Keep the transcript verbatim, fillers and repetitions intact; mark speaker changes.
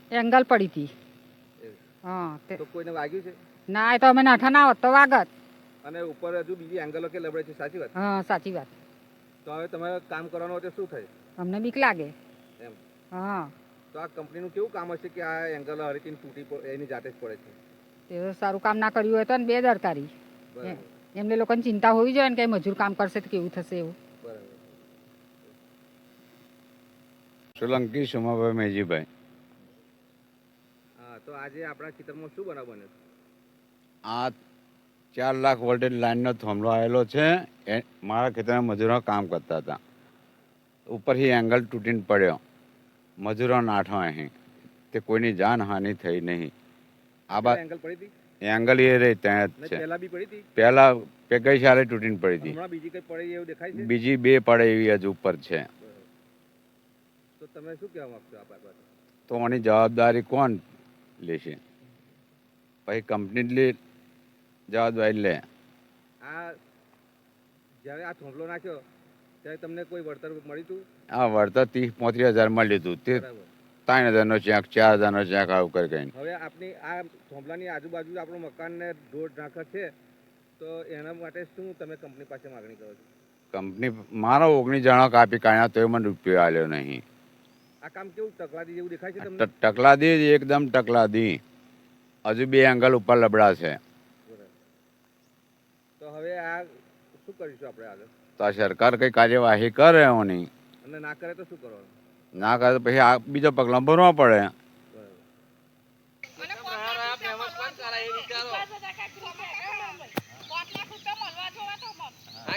Speaker 1: Angle પડી હતી.
Speaker 2: એવું.
Speaker 1: હા તે
Speaker 2: તો કોઈને વાગ્યું છે?
Speaker 1: ના એ તો અમે નાઠા ના હોત તો વાગત.
Speaker 2: અને ઉપર હજુ બીજી એંગલો કે લબડે છે, સાચી વાત?
Speaker 1: હા સાચી વાત.
Speaker 2: તો હવે તમારે કામ કરવાનું હોય તો શું થાય
Speaker 1: અમને બીક લાગે.
Speaker 2: એમ?
Speaker 1: હા
Speaker 2: તો આ કંપનીનું કેવું કામ હશે કે આ એંગલ હરીથી તૂટી પ- એની જાતે જ પડે છે?
Speaker 1: તે સારું કામ ના કર્યું હોય તો ને બેદરકારી.
Speaker 2: બરાબર
Speaker 1: એમને લોકોને ચિંતા હોવી જોઈએ ને કે મજૂર કામ કરશે તો કેવું થશે એવું.
Speaker 2: બરાબર.
Speaker 3: સોલંકી સોમાભાઈ મેજીભાઈ.
Speaker 2: હા, તો આજે આપણા ખેતરમાં શું બનાવ બન્યો?
Speaker 3: આ ચાર લાખ વોલ્ટેજ લાઇનનો થાંભલો આવેલો છે. એ મારા ખેતરમાં મજૂરો કામ કરતા હતા. ઉપરથી એંગલ તૂટીને પડ્યો. મજૂરો નાઠો અહીં તે કોઈની જાનહાનિ થઈ નહીં. આ બા
Speaker 2: પેલા એંગલ પડી હતી
Speaker 3: એંગલ એ રહી ત્યાં જ
Speaker 2: ને
Speaker 3: છે.
Speaker 2: પહેલા બી પડી હતી?
Speaker 3: પહેલા પે ગઈ સાલે તૂટીને પડી હતી.
Speaker 2: હમણાં બીજી કઈ પડી એવું દેખાય છે?
Speaker 3: બીજી બે પડે એવી હજુ ઉપર છે.
Speaker 2: બરાબર. તો તમે શું કહેવા માંગશો આ બાબતે?
Speaker 3: તો આની જવાબદારી કોણ લેશે? પછી કંપની જ લે જવાબદારી લે.
Speaker 2: આ જ્યારે આ થોંભલો નાખ્યો ત્યારે તમને કોઈ વળતર મળ્યું હતું?
Speaker 3: આ વળતર ત્રીસ પોત્રીસ હજાર મળ્યું હતું. તે
Speaker 2: બરાબર.
Speaker 3: ત્રણ હજારનો ચેક, ચાર હજારનો ચેક આવું કરી કહીને.
Speaker 2: હવે આપની આ થોંભલાની આજુબાજુ આપણું મકાનને ઢોર ઢાંકર છે, તો એના માટે શું તમે કંપની પાસે માગણી કરો છો?
Speaker 3: કંપની મારો ઓગણીસ જણા કાપી કાઢ્યા તોય મને રૂપિયો આવ્યો નહીં.
Speaker 2: આ કામ કેવું તકલાદી જેવું દેખાય છે
Speaker 3: આ
Speaker 2: તમને?
Speaker 3: ટ- ટકલાદી જ એકદમ ટકલાદી. હજુ બે એંગલ ઉપર લબડા છે.
Speaker 2: બરાબર. તો હવે આ શું કરીશું આપણે આગળ?
Speaker 3: તો આ સરકાર કઈ કાર્યવાહી કરે એની.
Speaker 2: અને ના કરે તો શું કરવાનું?
Speaker 3: ના કરે તો પછી આ બીજો પગલાં ભરવા પડે.